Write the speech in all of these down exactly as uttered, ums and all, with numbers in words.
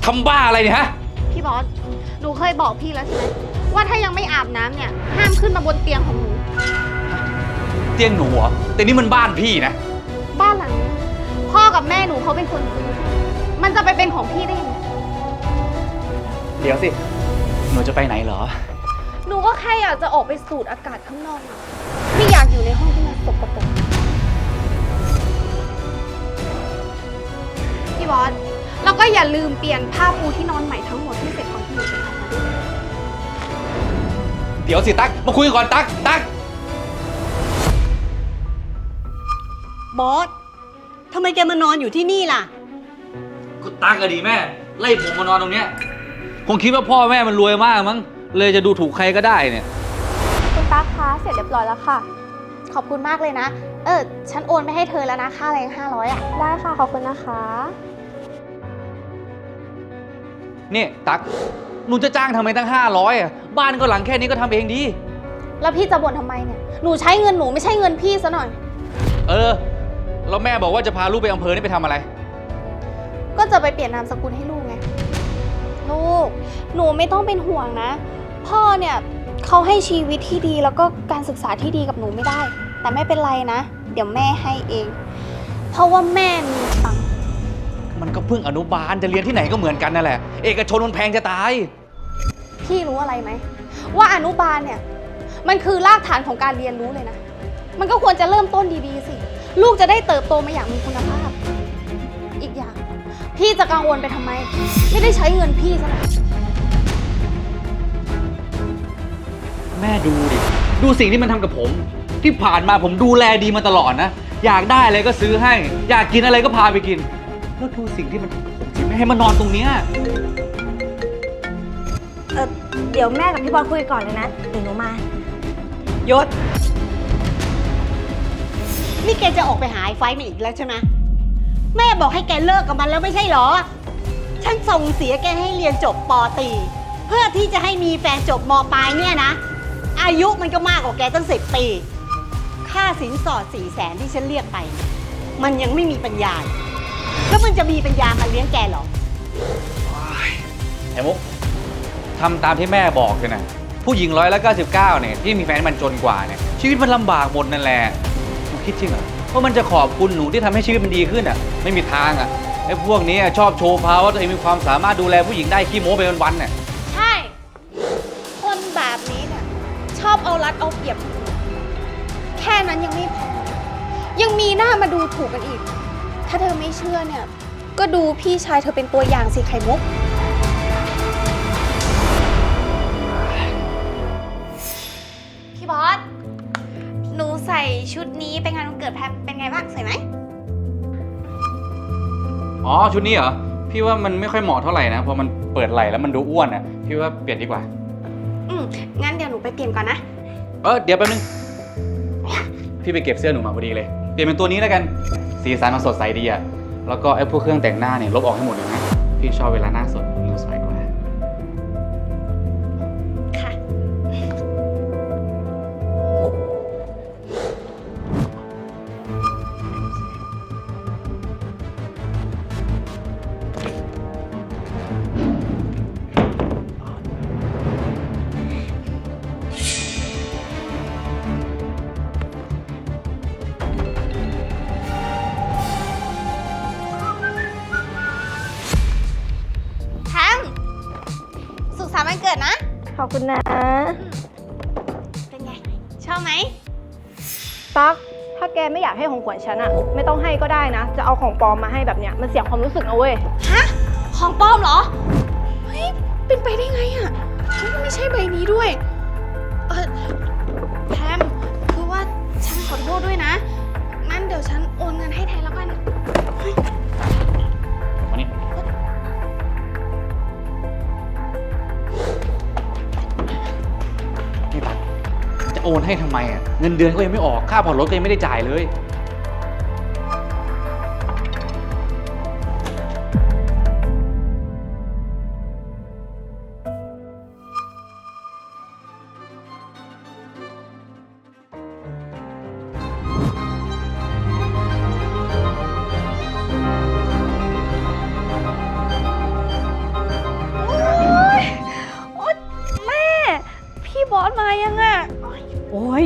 ทำบ้าอะไรเนี่ยฮะพี่บอสหนูเคยบอกพี่แล้วใช่ไหมว่าถ้ายังไม่อาบน้ำเนี่ยห้ามขึ้นมาบนเตียงของหนูเตียงหนูเหรอแต่นี่มันบ้านพี่นะบ้านหลังนี้พ่อกับแม่หนูเขาเป็นคนซื้อมันจะไปเป็นของพี่ได้ยังไงเดี๋ยวสิหนูจะไปไหนเหรอหนูก็แค่อยากจะออกไปสูดอากาศข้างนอกไม่อยากอยู่ในห้องที่มันสกปรกพี่บอสแล้วก็อย่าลืมเปลี่ยนผ้าปูที่นอนใหม่ทั้งหมดที่เสร็จก่อนที่หนูจะทำมาด้วยเดี๋ยวสิตั๊กมาคุยก่อนตั๊กตั๊กบอสทำไมแกมานอนอยู่ที่นี่ล่ะก็ตั๊กก็ดีแม่ไล่ผมมานอนตรงเนี้ยคงคิดว่าพ่อแม่มันรวยมากมั้งเลยจะดูถูกใครก็ได้เนี่ยคุณตั๊กคะเสร็จเรียบร้อยแล้วค่ะขอบคุณมากเลยนะเออฉันโอนไปให้เธอแล้วนะค่าแรงห้าร้อยอ่ะได้ค่ะขอบคุณนะคะนี่ตั๊กหนูจะจ้างทำไมตั้งห้าร้อยอ่ะบ้านก็หลังแค่นี้ก็ทำเองดีแล้วพี่จะบ่นทำไมเนี่ยหนูใช้เงินหนูไม่ใช่เงินพี่ซะหน่อยเออแล้วแม่บอกว่าจะพาลูกไปอำเภอนี่ไปทำอะไรก็จะไปเปลี่ยนนามสกุลให้ลูกไงลูกหนูไม่ต้องเป็นห่วงนะพ่อเนี่ยเขาให้ชีวิตที่ดีแล้วก็การศึกษาที่ดีกับหนูไม่ได้แต่ไม่เป็นไรนะเดี๋ยวแม่ให้เองเพราะว่าแม่มีตังค์มันก็เพิ่งอนุบาลจะเรียนที่ไหนก็เหมือนกันนั่นแหละเอกชนมันแพงจะตายพี่รู้อะไรไหมว่าอนุบาลเนี่ยมันคือรากฐานของการเรียนรู้เลยนะมันก็ควรจะเริ่มต้นดีๆสิลูกจะได้เติบโตมาอย่างมีคุณภาพอีกอย่างพี่จะกังวลไปทำไมไม่ได้ใช้เงินพี่ซะหน่อยแม่ดูดิดูสิ่งที่มันทำกับผมที่ผ่านมาผมดูแลดีมาตลอดนะอยากได้อะไรก็ซื้อให้อยากกินอะไรก็พาไปกินแล้วดูสิ่งที่มันทำกับผมที่ไม่ให้มานอนตรงเนี้ยเออเดี๋ยวแม่กับพี่บอลคุยก่อนเลยนะเดี๋ยวหนูมายศนี่แกจะออกไปหาไอ้ไฟมันอีกแล้วใช่ไหมแม่บอกให้แกเลิกกับมันแล้วไม่ใช่หรอฉันส่งเสียแกให้เรียนจบป.ตรีเพื่อที่จะให้มีแฟนจบม.ปลายเนี่ยนะอายุมันก็มากกว่าแกตั้งสิบปีค่าสินสอดสี่แสนที่ฉันเรียกไปมันยังไม่มีปัญญาแล้วมันจะมีปัญญามาเลี้ยงแกหรอไอ้มุกทำตามที่แม่บอกเลยนะผู้หญิงร้อยละเก้าสิบเก้าเนี่ยที่มีแฟนมันจนกว่าเนี่ยชีวิตมันลำบากหมดนั่นแหละหนูคิดจริงเหรอว่ามันจะขอบคุณหนูที่ทำให้ชีวิตมันดีขึ้นอ่ะไม่มีทางอ่ะไอ้พวกนี้ชอบโชว์พาวว่าตัวเองมีความสามารถดูแลผู้หญิงได้ขี้โม้ไปวันๆเนี่ยใช่คนแบบนี้เนี่ยชอบเอารัดเอาเปรียบแค่นั้นยังไม่พอยังมีหน้ามาดูถูกกันอีกถ้าเธอไม่เชื่อเนี่ยก็ดูพี่ชายเธอเป็นตัวอย่างสิไข่มุกพี่บอสหนูใส่ชุดนี้ไปงานวันเกิดแพมเป็นไงบ้างสวยไหมอ๋อชุดนี้เหรอพี่ว่ามันไม่ค่อยเหมาะเท่าไหร่นะเพราะมันเปิดไหล่แล้วมันดูอ้วนอ่ะพี่ว่าเปลี่ยนดีกว่าอืมงั้นเดี๋ยวหนูไปเปลี่ยนก่อนนะเออเดี๋ยวแป๊บนึงพี่ไปเก็บเสื้อหนูมาพอดีเลยเปลี่ยนเป็นตัวนี้แล้วกันสีสันมันสดใสดีอ่ะแล้วก็ไอ้พวกเครื่องแต่งหน้าเนี่ยลบออกให้หมดเลยนะพี่ชอบเวลาหน้าสดดูสวยกว่าค่ะวันเกิดนะขอบคุณนะเป็นไงชอบไหมตั๊กถ้าแกไม่อยากให้ของขวัญฉันอะไม่ต้องให้ก็ได้นะจะเอาของปลอมมาให้แบบเนี้ยมันเสียความรู้สึกนะเว้ยฮะของปลอมเหรอเฮ้ยเป็นไปได้ไงอะไม่ใช่ใบนี้ด้วยเออแพมคือว่าฉันขอโทษด้วยนะงั้นเดี๋ยวฉันโอนเงินให้แทนแล้วกันมานี่โอนให้ทำไมอ่ะเงินเดือนก็ยังไม่ออกค่าผ่อนรถก็ยังไม่ได้จ่ายเลย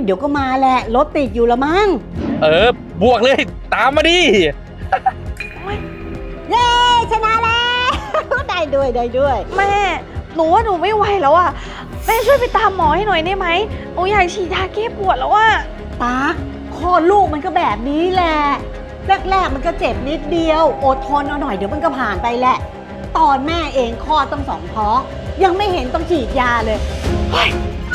เดี๋ยวก็มาแหละรถติดอยู่ละมั้งเออบวกเลยตามมาดิเย้ชนะแล้ว ได้ด้วยได้ด้วยแม่ หนูว่าหนูไม่ไหวแล้วอะแม่ช่วยไปตามหมอให้หน่อยได้ไหมหนูอยากฉีดยาแก้ปวดแล้วอะตาคลอดลูกมันก็แบบนี้แหละแรกๆมันก็เจ็บนิดเดียวอดทนเอาหน่อยเดี๋ยวมันก็ผ่านไปแหละ ตอนแม่เองคลอดต้องสองท้องยังไม่เห็นต้องฉีดยาเลยเฮ้ย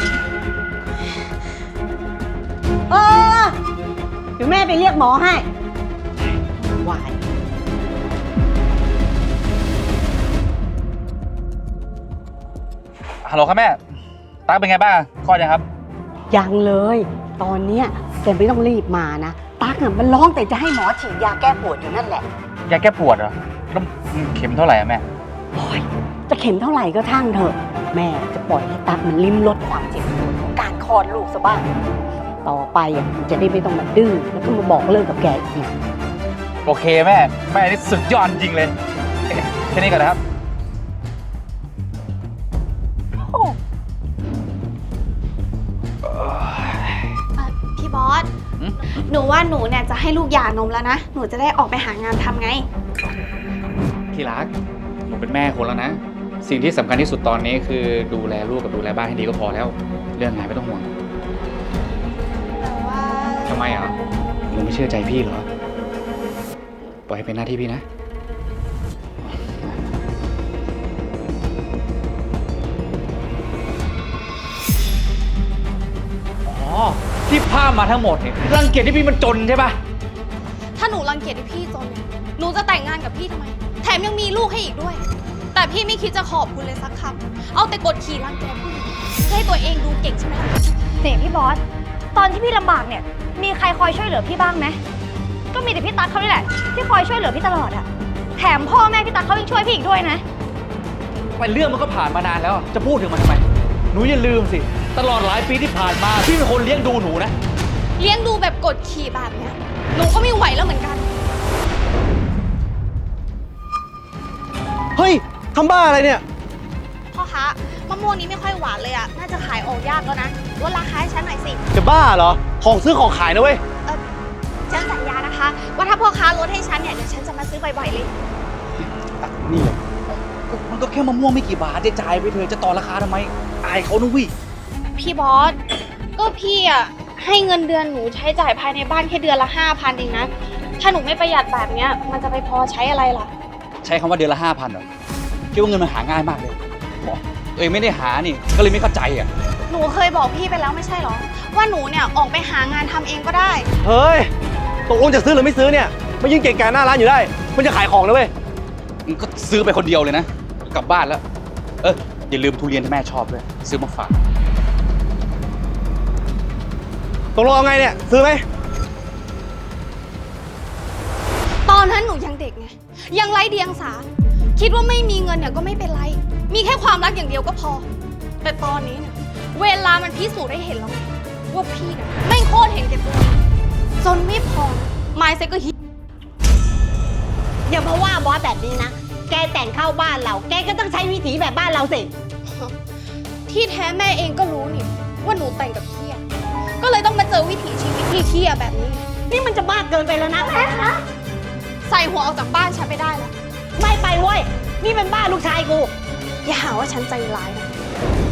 เออเดี๋ยวแม่ไปเรียกหมอให้วายฮัลโหลครับแม่ตั๊กเป็นไงบ้างคลอดยังครับยังเลย ตอนเนี้ยแกไม่ต้องรีบมานะตั๊กน่ะมันร้องแต่จะให้หมอฉีดยาแก้ปวดอยู่นั่นแหละยาแก้ปวดเหรอแล้วเข็มเท่าไหร่อะแม่โอ้ยจะเข็มเท่าไหร่ก็ช่างเถอะ แม่จะปล่อยให้ตั๊กมันลิ้มรสความเจ็บปวดของการคลอดลูกซะบ้าง ต่อไปอ่ะมันจะได้ไม่ต้องมาดื้อแล้วก็มาบอกเลิกกับแกอีกโอเคแม่แม่นี่สุดยอดจริงเลยแค่นี้ก่อนนะครับโอ้พี่บอสหืมหนูว่าหนูเนี่ยจะให้ลูกหย่านมแล้วนะ หนูจะได้ออกไปหางานทำไงที่รักหนูเป็นแม่คนแล้วนะ สิ่งที่สำคัญที่สุดตอนนี้คือดูแลลูกกับดูแลบ้านให้ดีก็พอแล้ว เรื่องงานไม่ต้องห่วงแต่ว่าทำไมอ่ะหนูไม่เชื่อใจพี่เหรอปล่อยให้เป็นหน้าที่พี่นะอ๋อที่ภาพมาทั้งหมดเนี่ยรังเกียจที่พี่มันจนใช่ปะถ้าหนูรังเกียจที่พี่จนเนี่ย หนูจะแต่งงานกับพี่ทำไม แถมยังมีลูกให้อีกด้วย แต่พี่ไม่คิดจะขอบคุณเลยสักคำ เอาแต่กดขี่รังแกผู้หญิงเพื่อให้ตัวเองดูเก่งใช่ไหมล่ะนี่พี่บอส ตอนที่พี่ลำบากเนี่ย มีใครคอยช่วยเหลือพี่บ้างไหม ก็มีแต่พี่ตั๊กเขานี่แหละที่คอยช่วยเหลือพี่ตลอดอะแถมพ่อแม่พี่ตั๊กเขายังช่วยพี่อีกด้วยนะแต่เรื่องมันก็ผ่านมานานแล้วจะพูดถึงมันทำไมหนูอย่าลืมสิตลอดหลายปีที่ผ่านมาพี่เป็นคนเลี้ยงดูหนูนะเลี้ยงดูแบบกดขี่แบบเนี้ย หนูก็ไม่ไหวแล้วเหมือนกันเฮ้ยทำบ้าอะไรเนี่ยพ่อคะมะม่วงนี้ไม่ค่อยหวานเลยอะน่าจะขายออกยากแล้วนะลดราคาให้ฉันหน่อยสิจะบ้าเหรอ ของซื้อของขายนะเว้ยเออฉันสัญญานะคะ ว่าถ้าพ่อค้าลดให้ฉันเนี่ยเดี๋ยวฉันจะมาซื้อบ่อยๆเลยนี่เลยมันก็แค่มะม่วงไม่กี่บาทจะจ่ายไปเถอะจะต่อราคาทำไมอายเขานะวิพี่บอส ก็พี่อะให้เงินเดือนหนูใช้จ่ายภายในบ้านแค่เดือนละห้าพันเองนะ ถ้าหนูไม่ประหยัดแบบเนี้ยมันจะไปพอใช้อะไรล่ะใช้คำว่าเดือนละห้าพันเหรอคิดว่าเงินมันหาง่ายมากเลยบอกตัวเองไม่ได้หานี่ก็เลยไม่เข้าใจอ่ะหนูเคยบอกพี่ไปแล้วไม่ใช่เหรอ ว่าหนูเนี่ยออกไปหางานทำเองก็ได้เฮ้ย ตกลงจะซื้อหรือไม่ซื้อเนี่ยมายืนเก่งกาหน้าร้านอยู่ได้ มันจะขายของนะเว้ยมันก็ซื้อไปคนเดียวเลยนะกลับบ้านแล้ว เอออย่าลืมทุเรียนที่แม่ชอบด้วยซื้อมาฝากตกลงเอาไงเนี่ย ซื้อไหมตอนนั้นหนูยังเด็กไง ยังไร้เดียงสา คิดว่าไม่มีเงินเนี่ยก็ไม่เป็นไร มีแค่ความรักอย่างเดียวก็พอ แต่ตอนนี้เนี่ยเวลามันพิสูจน์ให้เห็นแล้วไงว่าพี่เนี่ยไม่งโคตรเห็นแก่ตัว จนไม่พอไมซ์เซ็ตก็ฮิตอย่ามาว่าบอสแบบนี้นะ แกแต่งเข้าบ้านเรา แกก็ต้องใช้วิถีแบบบ้านเราสิที่แท้แม่เองก็รู้นี่ว่าหนูแต่งกับพี่อะก็เลยต้องมาเจอวิถีชีวิตที่เที่ยแบบนี้นี่มันจะบ้าเกินไปแล้วนะแม่คะใส่หัวออกจากบ้านฉันไปได้แล้วไม่ไปเว้ย นี่เป็นบ้านลูกชายกูอย่าหาว่าฉันใจร้ายนะ